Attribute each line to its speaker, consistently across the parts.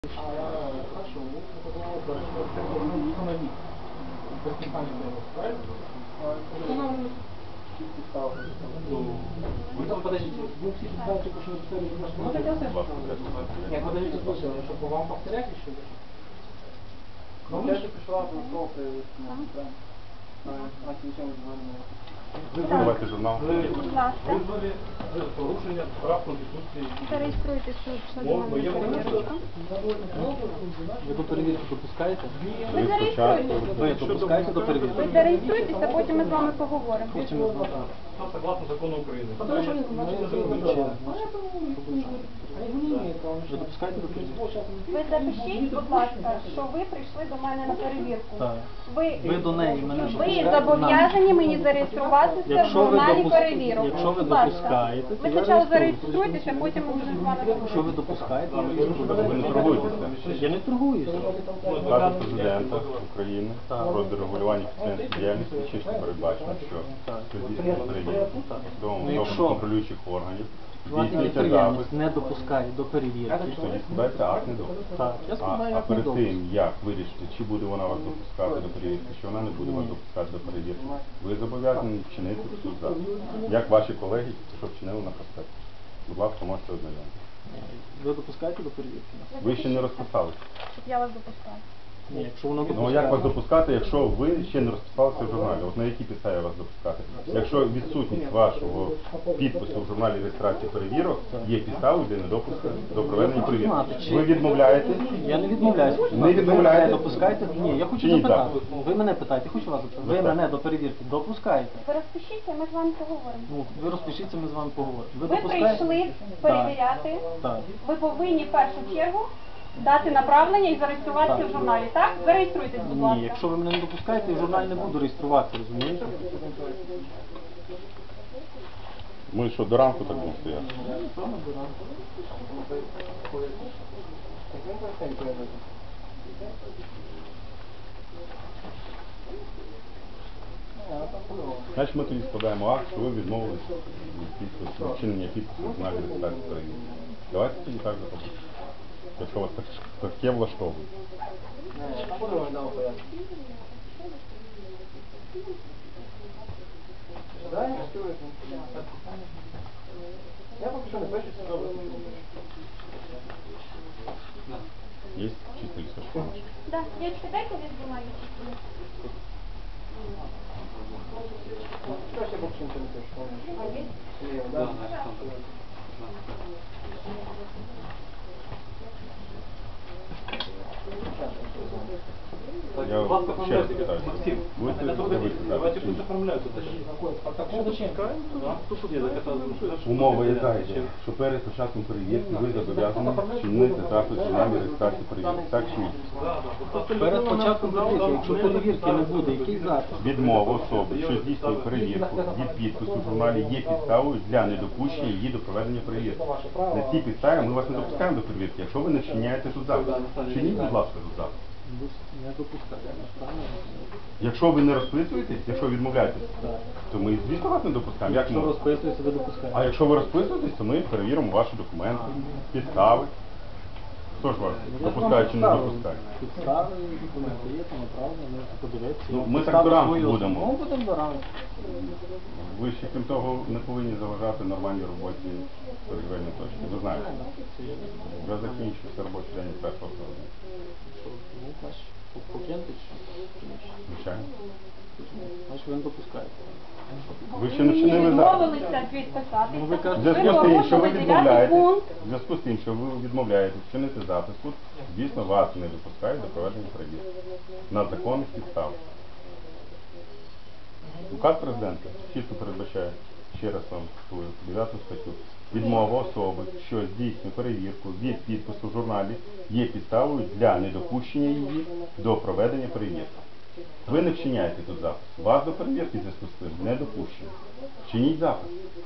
Speaker 1: Хорошо, установить вы там подождите, вы все знаете, почему нет, подождите, слушайте, чтобы вам повторять еще. Ну, я же пришла в
Speaker 2: Давайте журнал.
Speaker 3: Будь ласка.
Speaker 4: Визвали порушення прав Конституції.
Speaker 3: Зареєструйте свою перевірку.
Speaker 1: Ви до перевірки допускаєте?
Speaker 3: Ви зареєструйтесь.
Speaker 1: Ви допускаєте до перевірки?
Speaker 3: Ви зареєструйтеся, потім ми з вами поговоримо.
Speaker 1: Потім ми з вами.
Speaker 4: Согласно закону України.
Speaker 1: Ви допускаєте до перевірки?
Speaker 3: Ви запишіть, будь ласка, що ви прийшли до мене на перевірку.
Speaker 1: Так.
Speaker 3: Ви
Speaker 1: до неї мене
Speaker 3: ви
Speaker 1: допускаєте?
Speaker 3: зобов'язані мені зареєструватися в
Speaker 1: Якщо ви
Speaker 3: журналі
Speaker 1: допускаєте,
Speaker 3: перевірок.
Speaker 1: якщо ви
Speaker 3: Будь ласка.
Speaker 1: допускаєте, то
Speaker 3: Ви
Speaker 1: я
Speaker 3: спочатку
Speaker 1: реєструю.
Speaker 3: зареєструйтеся, потім ми будемо з вами
Speaker 1: Якщо
Speaker 3: поговоримо.
Speaker 1: ви допускаєте, я
Speaker 2: Ви
Speaker 1: реєструю.
Speaker 2: не торгуєтеся.
Speaker 1: Я не торгуюся.
Speaker 2: Указ президента України про дерегулювання підприємської діяльності чітко передбачено, що при здійсненні перевірки судовим контролюючих органів здійснюється запис,
Speaker 1: Підприємець не допускає до перевірки.
Speaker 2: що складається акт недопуску.
Speaker 1: Так, я складаю
Speaker 2: А
Speaker 1: акт
Speaker 2: перед
Speaker 1: недопуску.
Speaker 2: тим, як вирішити, чи буде вона вас допускати до перевірки, чи вона не буде вас допускати до перевірки, ви зобов'язані вчинити цю запис. Як ваші колеги, що вчинили на проспекті. Будь ласка, можете ознайомитися.
Speaker 1: Ви допускаєте до перевірки?
Speaker 2: Ви ще не розписалися.
Speaker 3: Щоб я вас допускала.
Speaker 1: Ні, якщо воно
Speaker 2: Ну
Speaker 1: допускає.
Speaker 2: як вас допускати, якщо ви ще не розписалися в журналі? От на якій підставі вас допускати? Якщо відсутність вашого підпису в журналі реєстрації перевірок є підставою для недопуску до проведення перевірки. Ви відмовляєте?
Speaker 1: Я не відмовляюсь.
Speaker 2: Не відмовляєте?
Speaker 1: Ви мене допускаєте? Ні, я хочу
Speaker 2: Чи ні,
Speaker 1: запитати.
Speaker 2: так?
Speaker 1: Ви мене питаєте, хочу вас запитати. Ви мене до перевірки допускаєте?
Speaker 3: Ви розпишіться, ми з вами поговоримо.
Speaker 1: Ну, ви розпишіться, ми з вами поговоримо.
Speaker 3: Ви
Speaker 1: допускаєте?
Speaker 3: прийшли перевіряти.
Speaker 1: Так.
Speaker 3: Ви повинні в першу чергу дати направлення і зареєструватися
Speaker 1: Так.
Speaker 3: в журналі, так? Зареєструйтесь, будь ласка.
Speaker 1: Ні, якщо ви мене не допускаєте, я в журналі не буду реєструватися, розумієте?
Speaker 2: Ми що, до ранку так будемо стояти?
Speaker 1: Напевно, до ранку.
Speaker 2: Значить, ми тоді складаємо акт, що ви відмовились від вчинення підпису в журналі реєстрації перевірки. Давайте тоді так зробимо. Якщо вас таке влаштовує.
Speaker 1: Я поки що не пишу, що робити.
Speaker 2: Є чисто листочки?
Speaker 3: Да, девочки, дайте лист бумаги чистый.
Speaker 1: Що ще поки що не пишу?
Speaker 3: А есть?
Speaker 1: Да.
Speaker 2: Я
Speaker 4: Вас
Speaker 2: ще раз
Speaker 4: оформляйте,
Speaker 2: питаю.
Speaker 4: Максим.
Speaker 2: Будете
Speaker 4: Это
Speaker 2: дивитися
Speaker 4: давайте
Speaker 2: запис?
Speaker 4: пусть оформляют это.
Speaker 1: Ну, зачем?
Speaker 4: Нет, так это...
Speaker 2: Умова яка йде, що перед початком перевірки ви зобов'язані вчинити запис в журналі реєстрації перевірки. Так чи ні?
Speaker 1: Перед початком перевірки, якщо перевірки не буде, який запис?
Speaker 2: Відмова особи, що здійснює перевірку від підпису в журналі є підставою для недопущення її до проведення перевірки. На цій підставі ми вас не допускаємо до перевірки, якщо ви не вчиняєте тут запис. Вчиніть, будь ласка, тут запис.
Speaker 1: Не допускаю.
Speaker 2: Якщо ви не розписуєтесь, якщо відмовляєтесь, то ми, звісно, вас не допускаємо. Як
Speaker 1: Якщо
Speaker 2: ми?
Speaker 1: розписується, ви допускаєте.
Speaker 2: А якщо ви розписуєтесь, то ми перевіримо ваші документи, підстави. Хто ж вас допускає чи не допускає?
Speaker 1: Підстави, документи є, то направлено, можете подивитися.
Speaker 2: Ну, ми так
Speaker 1: Підстави
Speaker 2: до ранку
Speaker 1: свої
Speaker 2: будемо.
Speaker 1: Ну, будемо до ранку.
Speaker 2: Ви ще, крім того, не повинні заважати нормальній роботі торгівельної точки. Ви знаєте, вже закінчився робочий день з 1 грудня.
Speaker 1: Ну, значить, покиньте чи?
Speaker 2: Звичайно.
Speaker 1: Значить, ви не допускаєте.
Speaker 2: Ви ще не вчинили запис.
Speaker 3: Відмовилися відписатися.
Speaker 1: Ну, ви
Speaker 2: В
Speaker 1: кажете,
Speaker 2: зв'язку з тим, що ви
Speaker 3: порушили 9
Speaker 2: відмовляєте,
Speaker 3: пункт.
Speaker 2: в зв'язку з тим, що ви відмовляєте вчинити запис, тут, звісно, вас не допускають до проведення перевірки на законних підставах. Указ президента чітко передбачає, ще раз вам цитую, 9 статтю. Відмова особи, що здійснює перевірку від підпису в журналі, є підставою для недопущення її до проведення перевірки. Ви не вчиняєте тут запис. Вас до перевірки в зв'язку з цим не допущено. Вчиніть запис.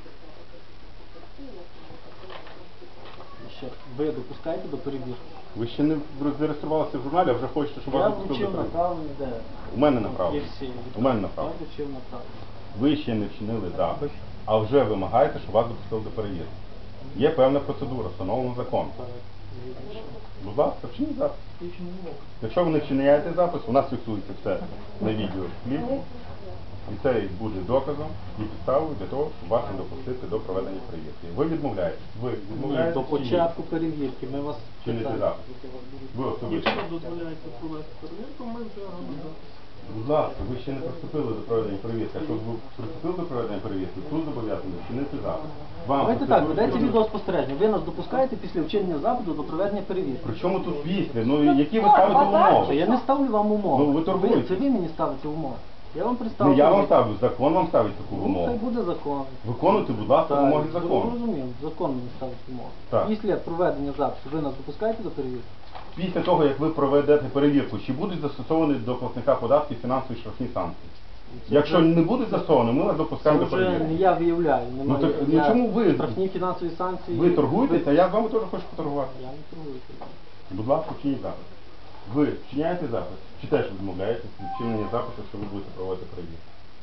Speaker 1: ще, ви допускаєте до перевірки?
Speaker 2: Ви ще не зареєструвалися в журналі, а вже хочете, щоб вас
Speaker 1: Я
Speaker 2: допустили
Speaker 1: вручив
Speaker 2: до перевірки.
Speaker 1: направлення, де?
Speaker 2: У мене направлено.
Speaker 1: Є всі.
Speaker 2: У мене направлено.
Speaker 1: Я вручив направлення.
Speaker 2: Ви ще не вчинили запис, а вже вимагаєте, щоб вас допустили до перевірки. Є певна процедура, встановлена законом. Будь ласка, вчиніть запис. Якщо ви не вчиняєте запис, у нас фіксується все на відео кліпу. І це буде доказом і підставою для того, щоб вас не допустити до проведення перевірки. Ви відмовляєтесь. Ви
Speaker 1: Ні,
Speaker 2: відмовляєтесь
Speaker 1: до
Speaker 2: чи ні?
Speaker 1: початку перевірки ми вас
Speaker 2: Чините
Speaker 1: питаємо.
Speaker 2: запис. Ви особисто.
Speaker 4: дозволяється провести перевірку, ми вже робимо запис.
Speaker 2: Будь ласка, ви ще не приступили до проведення перевірки. Якщо ви приступили до проведення перевірки, суд зобов'язаний вчинити запис. Вам
Speaker 1: Давайте так,
Speaker 2: процедура
Speaker 1: ведеться
Speaker 2: щодо-
Speaker 1: відеоспостереження. Ви нас допускаєте після вчинення запиту до проведення перевірки.
Speaker 2: При чому тут після? Ну, які ви ставите умови?
Speaker 1: Я не ставлю вам умови.
Speaker 2: Ну, ви торгуєте.
Speaker 1: Це ви мені ставите умови. Я вам
Speaker 2: Не
Speaker 1: представлю.
Speaker 2: я вам ставлю, закон вам ставить таку
Speaker 1: Ну, хай
Speaker 2: вимогу.
Speaker 1: буде закон.
Speaker 2: Виконуйте, будь ласка, вимоги закону.
Speaker 1: Розумію, закон мені ставить умови.
Speaker 2: Так.
Speaker 1: Після проведення запису ви нас допускаєте до перевірки?
Speaker 2: Після того, як ви проведете перевірку, чи будуть застосовані до платника податків фінансові штрафні санкції? Якщо не будуть застосовані, ми вас
Speaker 1: Це
Speaker 2: допускаємо до
Speaker 1: вже не
Speaker 2: перевірки.
Speaker 1: я виявляю.
Speaker 2: Ну, так, ну,
Speaker 1: Я
Speaker 2: чому ви?
Speaker 1: Штрафні фінансові санкції.
Speaker 2: Ви торгуєтеся, а я з вами теж хочу поторгувати.
Speaker 1: Я не торгую.
Speaker 2: Будь ласка, вчиніть запис. Ви вчиняєте запис? Чи теж відмовляєтесь від вчинення запису, що ви будете проводити перевірку?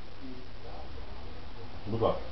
Speaker 2: Будь ласка.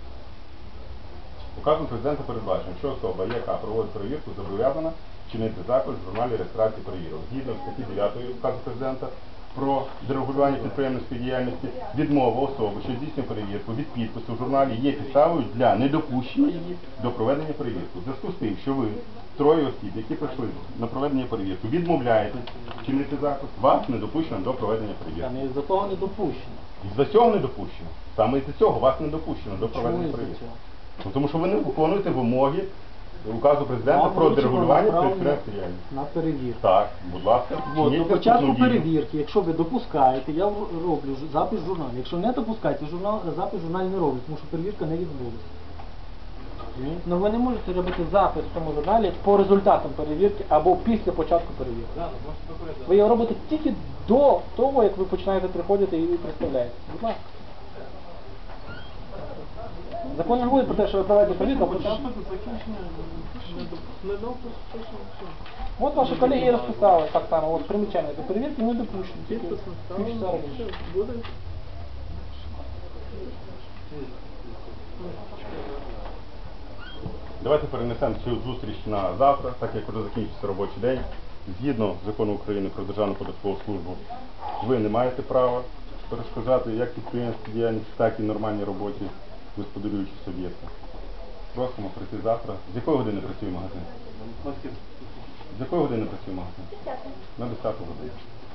Speaker 2: Указом президента передбачено, що особа, яка проводить перевірку, зобов'язана вчинити запис в журналі реєстрації перевірок. Згідно статті 9 указу президента про дерегулювання підприємницької діяльності, відмова особи, що здійснює перевірку від підпису в журналі є підставою для недопущення її до проведення перевірки. В зв'язку з тим, що ви, троє осіб, які прийшли на проведення перевірки, відмовляєтесь вчинити запис, вас не допущено до проведення
Speaker 1: Я
Speaker 2: перевірки.
Speaker 1: не за того не допущено.
Speaker 2: І за цього не допущено. Саме із-за цього вас не допущено до проведення
Speaker 1: Чому із-за
Speaker 2: перевірки.
Speaker 1: цього?
Speaker 2: Ну, тому що ви не виконуєте вимоги указу президента
Speaker 1: Вам
Speaker 2: про
Speaker 1: вручено
Speaker 2: дерегулювання
Speaker 1: направлення
Speaker 2: підприємницької діяльності.
Speaker 1: на перевірку.
Speaker 2: Так, будь ласка,
Speaker 1: От,
Speaker 2: вчиніть
Speaker 1: до початку
Speaker 2: наступну дію.
Speaker 1: перевірки, якщо ви допускаєте, я роблю запис в журнал. Якщо не допускаєте, запис в журналі не роблю, тому що перевірка не відбулася. Ну ви не можете робити запис в цьому журналі по результатам перевірки або після початку перевірки.
Speaker 4: Да, можете доповідати.
Speaker 1: Ви його робите тільки до того, як ви починаєте приходити і представляєте. Будь ласка. Закон не говорить про те, що ви проведете перевірку, а потім... От ваші колеги і розписали так само, от примічання до перевірки не допущені. Півчаса раніше.
Speaker 2: Давайте перенесемо цю зустріч на завтра, так як вже закінчиться робочий день. Згідно закону України про Державну податкову службу, ви не маєте права перешкоджати як підприємській діяльності, так і нормальній роботі господарюючих суб'єктів. Просимо прийти завтра. З якої години працює магазин? З якої години працює магазин? На 10 годину.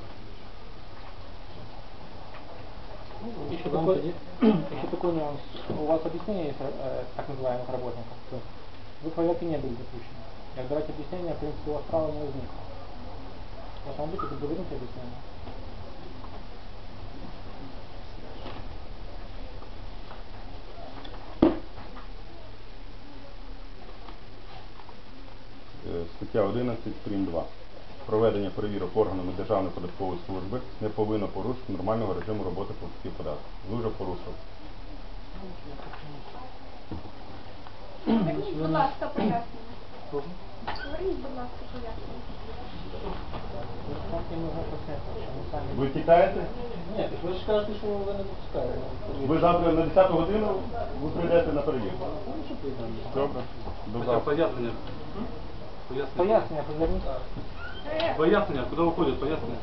Speaker 1: Еще такой нюанс. У вас объяснение есть так называемых работников. То есть вы проверки не были допущены. И давайте объяснение, в принципе, у вас права не возникло. Должно быть это доверенное объяснение.
Speaker 2: Стаття 11 прим. 2. Проведення перевірок органами Державної податкової служби не повинно порушити нормального режиму роботи платників податків. Ви вже порушили.
Speaker 3: Верніть, будь ласка, пояснення. Верніть, будь ласка, пояснення.
Speaker 2: Ви тікаєте?
Speaker 1: Ні, ви ж кажете, що ви не допускаєте.
Speaker 2: Ви завтра на 10 годину ви прийдете на перевірку. Добре. До
Speaker 4: Хоча
Speaker 2: завтра.
Speaker 4: пояснення.
Speaker 1: Пояснення, поверніть.
Speaker 4: Пояснення, куди виходять пояснення?